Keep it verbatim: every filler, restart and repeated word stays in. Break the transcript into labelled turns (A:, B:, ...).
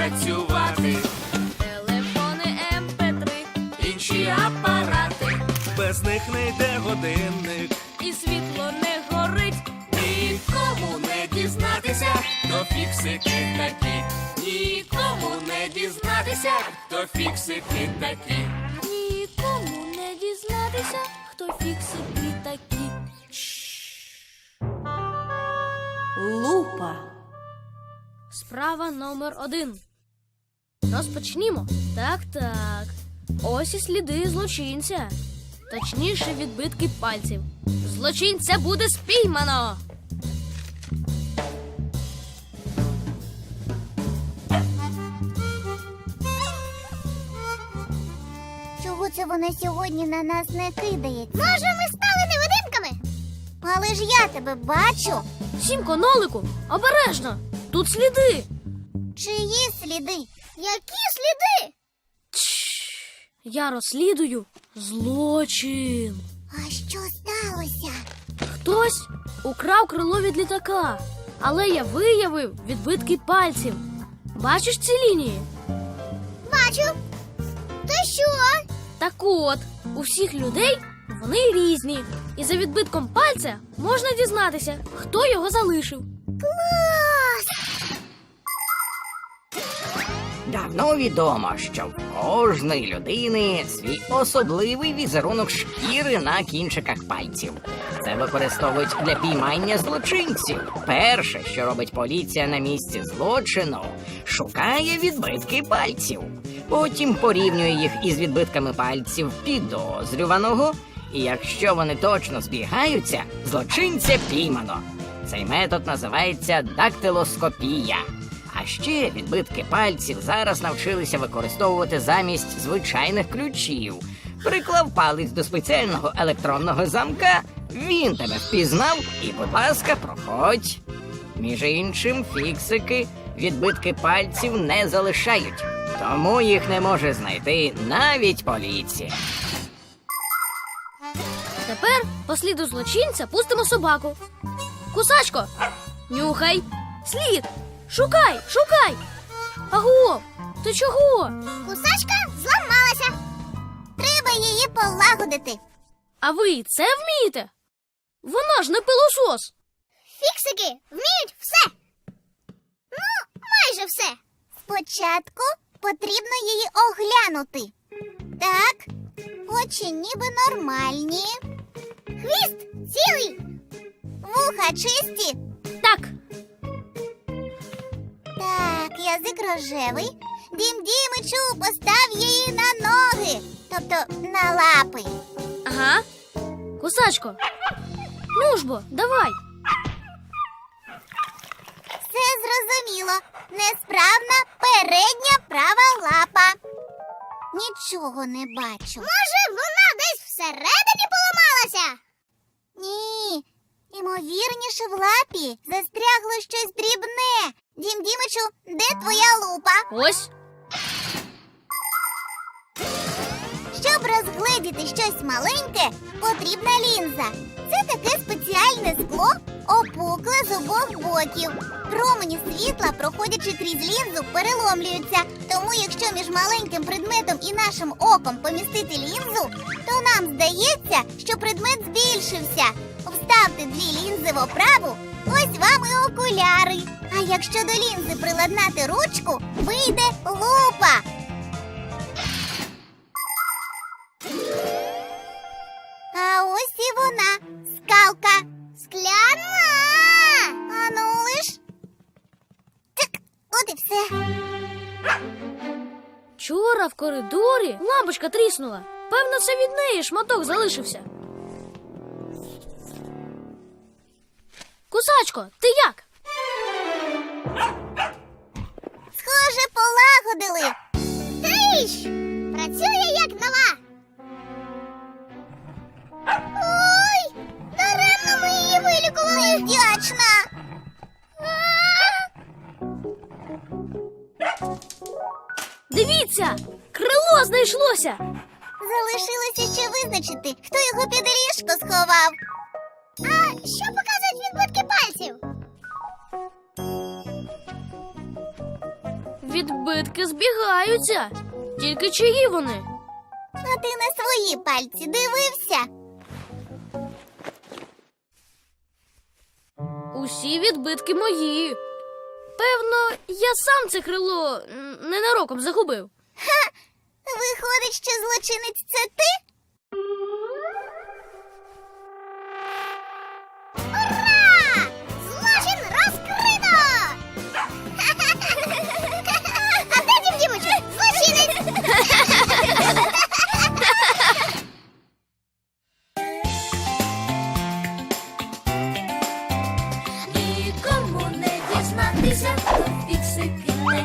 A: працювати.
B: Телефони ем пе три,
A: Інші апарати, без них не йде годинник.
B: і світло не горить.
A: Нікому не дізнатися, хто фіксики такі. Нікому не дізнатися, хто фіксики такі.
B: Нікому не дізнатися, хто фіксики такі.
C: Лупа.
B: Справа номер один. Розпочнімо. Так, так. Ось і сліди злочинця. Точніше, відбитки пальців. Злочинця буде спіймано.
D: Чого це вона сьогодні на нас не кидається? Може, ми стали невидимками? Але ж я тебе бачу.
B: Сімко, нолику, обережно. Тут сліди.
D: Чиї сліди? Які сліди?
B: Я розслідую злочин.
D: А що сталося?
B: Хтось украв крило від літака, але я виявив відбитки пальців. Бачиш ці лінії?
D: Бачу. Та що?
B: Так от, у всіх людей вони різні. І за відбитком пальця можна дізнатися, хто його залишив.
E: Давно відомо, що в кожної людини свій особливий візерунок шкіри на кінчиках пальців. Це використовують для піймання злочинців. Перше, що робить поліція на місці злочину, шукає відбитки пальців. Потім порівнює їх із відбитками пальців підозрюваного, і якщо вони точно збігаються, злочинця піймано. Цей метод називається дактилоскопія. А ще відбитки пальців зараз навчилися використовувати замість звичайних ключів. Приклав палець до спеціального електронного замка, він тебе впізнав і, будь ласка, проходь. Між іншим, фіксики відбитки пальців не залишають, тому їх не може знайти навіть поліція.
B: Тепер по сліду злочинця пустимо собаку. Кусачко, нюхай. Слід. Шукай, шукай. Аго, ти чого?
D: Кусачка зламалася. Треба її полагодити.
B: А ви і це вмієте? Вона ж не пилосос.
D: Фіксики вміють все. Ну, майже все. Спочатку потрібно її оглянути. Так, очі ніби нормальні. Хвіст цілий. Вуха чисті.
B: Так,
D: Так, язик рожевий. Дім Дімичу, постав її на ноги. Тобто на лапи.
B: ага. Кусачко, ну ж бо, давай.
D: Все зрозуміло. Несправна передня права лапа. Нічого не бачу. Може, вона десь всередині поламалася? Ні. Імовірніше, в лапі застрягло щось дрібне. Дім Дімичу, де твоя лупа?
B: Ось.
D: Щоб розгледіти щось маленьке, потрібна лінза. Це таке спеціальне скло, опукле з обох боків. Промені світла, проходячи крізь лінзу, переломлюються. Тому якщо між маленьким предметом і нашим оком помістити лінзу, то нам здається, що предмет збільшився. Вставте дві лінзи в оправу, ось вам і окуляри. А якщо до лінзи приладнати ручку, вийде лупа. А ось і вона, скалка. Скляна! А ну лиш. Так, от і все.
B: Вчора в коридорі лампочка тріснула. Певно, це від неї шматок залишився. Кусачко, ти як?
D: Схоже, полагодили. Тріщ! Працює як нова. Ой, даремно ми її вилікували. Вдячна.
B: Дивіться, крило знайшлося.
D: Залишилося ще визначити, хто його під ліжко сховав. А що показують відбитки пальців?
B: відбитки збігаються. Тільки чиї вони?
D: А ти на свої пальці дивився?
B: Усі відбитки мої. Певно, я сам це крило м, ненароком загубив.
D: Виходить, що злочинець це ти? Ура! Злочин розкрито! А де Дім Дімичу? Злочинець!
C: Нікому не дізнатися, хто фіксики